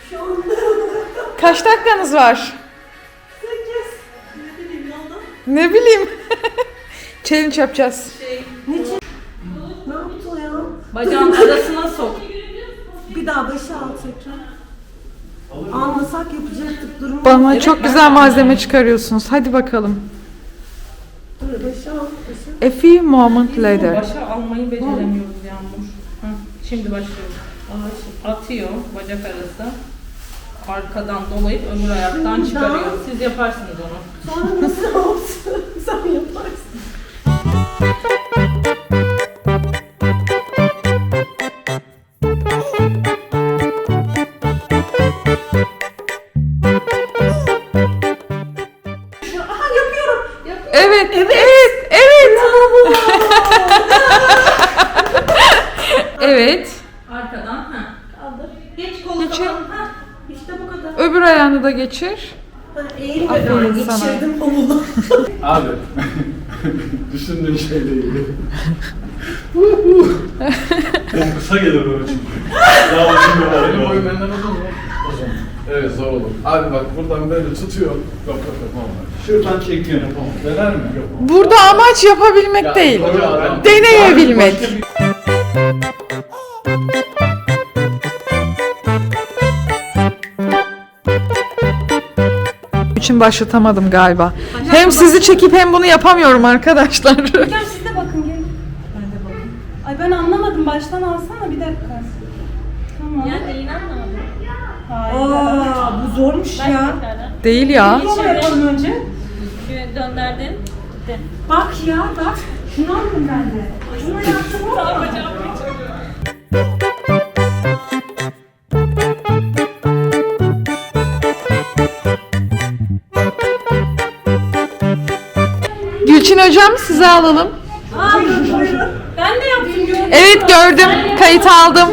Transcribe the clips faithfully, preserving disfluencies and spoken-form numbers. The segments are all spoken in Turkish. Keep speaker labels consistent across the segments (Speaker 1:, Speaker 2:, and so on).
Speaker 1: Kaç dakikanız var?
Speaker 2: sekiz. Ne bileyim ne oldu?
Speaker 1: Ne bileyim. Challenge yapacağız.
Speaker 2: Şey, ne için? Ne yaptı ya?
Speaker 3: Bacağın arasına sok.
Speaker 2: Bir daha başa al tekrar. Almasak yapacaktık durumu.
Speaker 1: Bana
Speaker 3: Evet,
Speaker 1: çok
Speaker 3: ben
Speaker 1: güzel
Speaker 3: de-
Speaker 1: malzeme çıkarıyorsunuz. Hadi bakalım.
Speaker 2: Dur başa al. Başa.
Speaker 1: A few moment later.
Speaker 3: Başa almayı beceremiyoruz Yağmur. Hı, şimdi başlıyoruz. Atıyor bacak arası. Arkadan dolayıp öbür ayaktan
Speaker 2: Şimdi
Speaker 3: çıkarıyor.
Speaker 2: daha-
Speaker 3: Siz yaparsınız onu.
Speaker 2: Sonra nasıl olsun? Sen yaparsın. Aha yapıyorum.
Speaker 1: Evet, evet, evet. Evet.
Speaker 3: Arkadan ha. Kaldır. Geç kolu
Speaker 1: Geçir.
Speaker 3: kapalı. Ha. İşte bu kadar.
Speaker 1: Öbür ayağını da geçir.
Speaker 2: Ha, eğil
Speaker 1: Aferin
Speaker 2: böyle.
Speaker 1: sana.
Speaker 2: Geçirdim omunu.
Speaker 4: Abi, düşündüğün şey değil. Çok kısa gelir böyle çünkü. Daha uzun bir var. Benim boyum benden uzun mu? Uzun. Evet, zor olur. Abi bak buradan böyle tutuyor. Yok yok yapamam. Şuradan çekiyor yapamam. Dener mi? Yapamam.
Speaker 1: Burada amaç yapabilmek
Speaker 4: Ya,
Speaker 1: değil.
Speaker 4: hocam ben-
Speaker 1: Deneyebilmek.
Speaker 4: Başka bir-
Speaker 1: için başlatamadım galiba. Hem sizi çekip hem bunu yapamıyorum arkadaşlar.
Speaker 5: Gel siz de bakın gelin. Ben de bakayım. Ay ben anlamadım. Baştan alsana bir dakika. Tamam.
Speaker 6: Ya neyini anlamadım.
Speaker 5: Hayır.
Speaker 2: Aa, bu zormuş
Speaker 6: Ben
Speaker 2: ya.
Speaker 6: tekrardan.
Speaker 1: Değil ya.
Speaker 2: Bunu yapalım önce.
Speaker 6: Şöyle döndürdün. Gitti.
Speaker 2: Bak ya bak. Şunu aldım ben de. Şunu yaptım ama.
Speaker 1: Gülçin hocam size alalım.
Speaker 5: Aa, buyurun. Ben de yaptım gördüm.
Speaker 1: Evet gördüm. Kayıt aldım.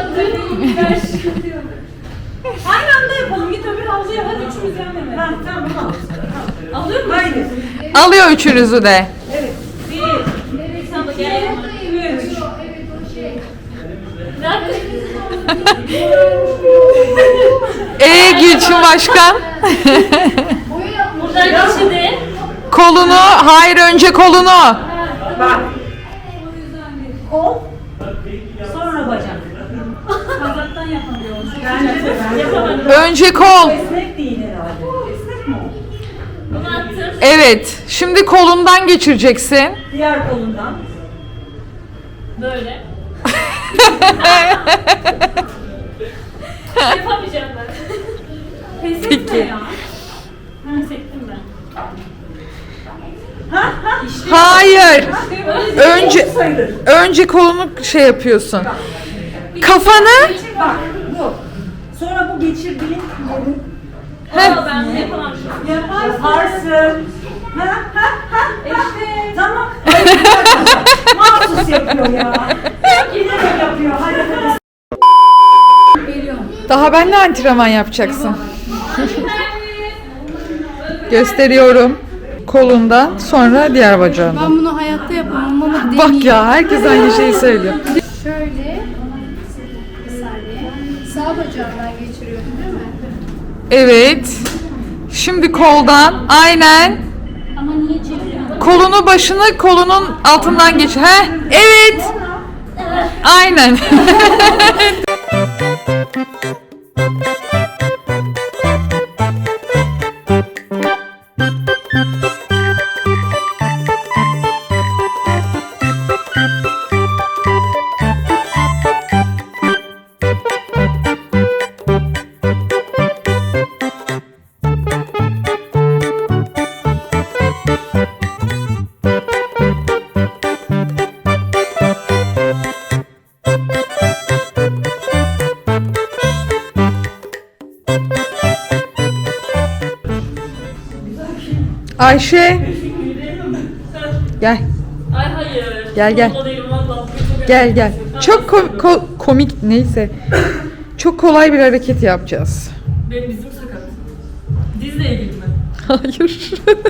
Speaker 5: Aynı anda yapalım. Git öbür havluya hadi üçümüz yan yana.
Speaker 2: Ha, tamam al.
Speaker 5: Alıyor musun?
Speaker 2: Haydi.
Speaker 1: Alıyor üçünüzü de.
Speaker 5: Bir.
Speaker 6: Sen de gel.
Speaker 5: Üç.
Speaker 6: Nerede?
Speaker 1: Ee Gülçin başkan.
Speaker 6: Buradan geçirdi.
Speaker 1: Kolunu, hayır önce kolunu.
Speaker 2: Bak. Kol. Sonra bacak.
Speaker 5: Kazaktan yapamıyoruz.
Speaker 2: Bence de ben
Speaker 6: Yapamadım.
Speaker 1: Önce kol.
Speaker 2: Esnek değil herhalde. Esnek mi o?
Speaker 6: Bunu attım.
Speaker 1: Evet. Şimdi kolundan geçireceksin.
Speaker 2: Diğer kolundan.
Speaker 6: Böyle. Yapamayacağım ben.
Speaker 5: Pes etme
Speaker 1: Peki.
Speaker 5: ya.
Speaker 6: Hı, sektim ben.
Speaker 1: Hayır.
Speaker 6: Öyle
Speaker 1: Önce
Speaker 2: Sayılır.
Speaker 1: önce kolunu şey yapıyorsun. Kafanı.
Speaker 2: Bak bu. Sonra bu geçirdiğin yeri
Speaker 6: Aa, ben bunu yapamam şu an.
Speaker 2: yaparsın. Ha ha ha.
Speaker 5: İşte.
Speaker 2: Tamam. Hayır, bir dakika. Mahsus yapıyor ya. Giderek yapıyor. Hadi hadi.
Speaker 1: Daha ben de antrenman yapacaksın. Gösteriyorum. Kolundan sonra diğer bacağından.
Speaker 7: Ben bunu hayatta yapamam ama deneyeyim.
Speaker 1: Bak ya herkes aynı şeyi söylüyor.
Speaker 7: Şöyle. Bir saniye. Sağ bacağımdan geçiriyorum değil mi?
Speaker 1: Evet. Şimdi koldan aynen.
Speaker 6: Ama niye çeviriyorsun?
Speaker 1: Kolunu başını kolunun altından geç. He? Evet. Aynen. Ayşe. Gel.
Speaker 6: Ay hayır.
Speaker 1: Gel, gel.
Speaker 6: Vallahi değilim, vallahi.
Speaker 1: Gel gel. Çok ko- ko- komik neyse. Çok kolay bir hareket yapacağız.
Speaker 6: Benim dizim sakat. Dizle ilgili mi?
Speaker 1: Hayır.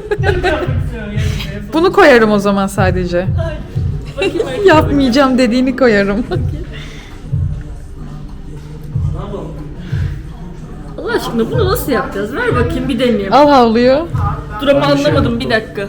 Speaker 1: Bunu koyarım o zaman sadece.
Speaker 6: Bakayım bakayım.
Speaker 1: Yapmayacağım dediğini koyarım.
Speaker 6: Ne yapalım? Allah aşkına bunu nasıl yapacağız? Ver bakayım bir deneyeyim.
Speaker 1: Al havluyu.
Speaker 6: Dur ama anlamadım bir dakika.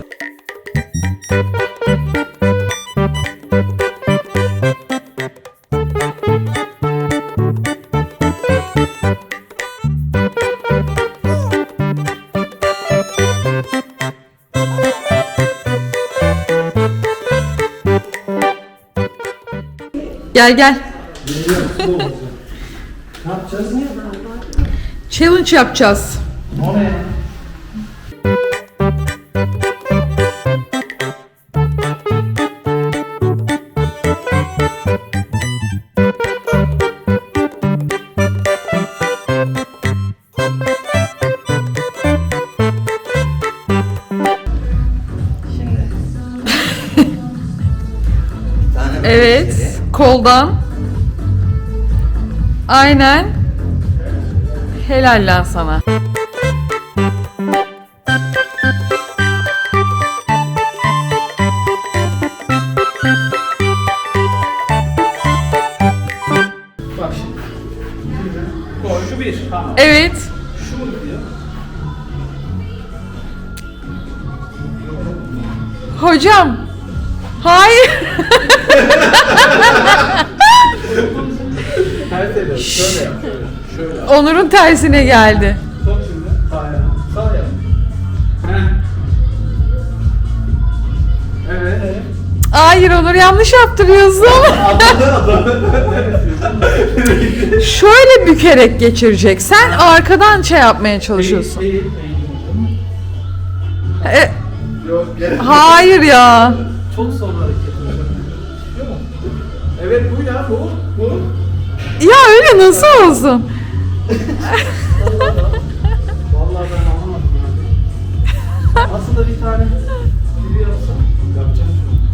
Speaker 1: Gel gel.
Speaker 4: Ne yapacağız?
Speaker 1: Challenge yapacağız.
Speaker 4: O ne?
Speaker 1: Evet. Koldan. Aynen. Helal lan sana.
Speaker 4: Bak şimdi. Gol şu bir. Tamam.
Speaker 1: Evet.
Speaker 4: Şu mu gidiyor?
Speaker 1: Hocam. Hayır.
Speaker 4: Ters ediyorum. Şöyle yap. Şöyle. Şöyle.
Speaker 1: Onur'un tersine geldi.
Speaker 4: Sok şimdi. Sağ yap. Sağ yap. Heh. Evet. Evet.
Speaker 1: Hayır Onur, yanlış yaptırıyorsun. Şöyle bükerek geçirecek. Sen arkadan şey yapmaya çalışıyorsun.
Speaker 4: Eğil, eğil, eğil.
Speaker 1: E,
Speaker 4: Yok, gerek yok.
Speaker 1: hayır ya.
Speaker 4: Çok son hareket. Çıkıyor mu? Evet bu ya bu. Bu.
Speaker 1: Ya öyle nasıl olsun?
Speaker 4: Vallahi ben anlamadım. Yani. Aslında bir tane biri yapsam yapacağım.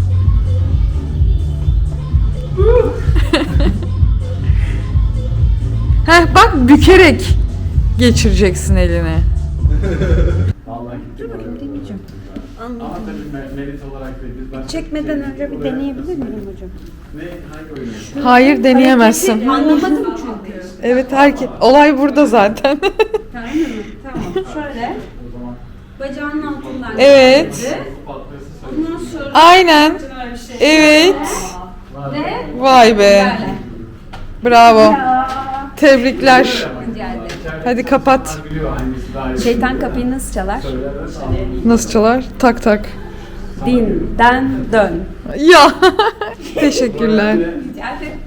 Speaker 1: Heh bak, bükerek geçireceksin elini.
Speaker 4: Vallahi gitti.
Speaker 5: Deneyeceğim.
Speaker 4: Ama tabii me- merit olarak değil. Biz başka
Speaker 5: Çekmeden
Speaker 4: bir şey-
Speaker 5: önce bir
Speaker 4: Buraya-
Speaker 5: deneyebilir miyim hocam?
Speaker 4: Ne? Hangi oyunu?
Speaker 1: Hayır, deneyemezsin.
Speaker 5: Anlamadım çünkü.
Speaker 1: Evet, herkes olay burada zaten.
Speaker 5: Tamam mı? Tamam. Şöyle.
Speaker 4: O zaman
Speaker 5: Bacağının altından.
Speaker 1: Evet.
Speaker 5: geçirdi.
Speaker 4: patlıyorsa söyle.
Speaker 5: Ondan sonra
Speaker 1: Aynen. Evet.
Speaker 5: ve
Speaker 1: Vay be.
Speaker 5: böyle.
Speaker 1: Bravo. Tebrikler.
Speaker 5: Rica ederim.
Speaker 1: Hadi kapat.
Speaker 4: Biliyor hangisi daha iyi.
Speaker 5: Şeytan kapıyı nasıl çalar?
Speaker 4: Söylerlerse anlarım.
Speaker 1: Nasıl çalar? Tak tak.
Speaker 5: Dinden dön.
Speaker 1: Ya. Teşekkürler.
Speaker 5: Rica ederim.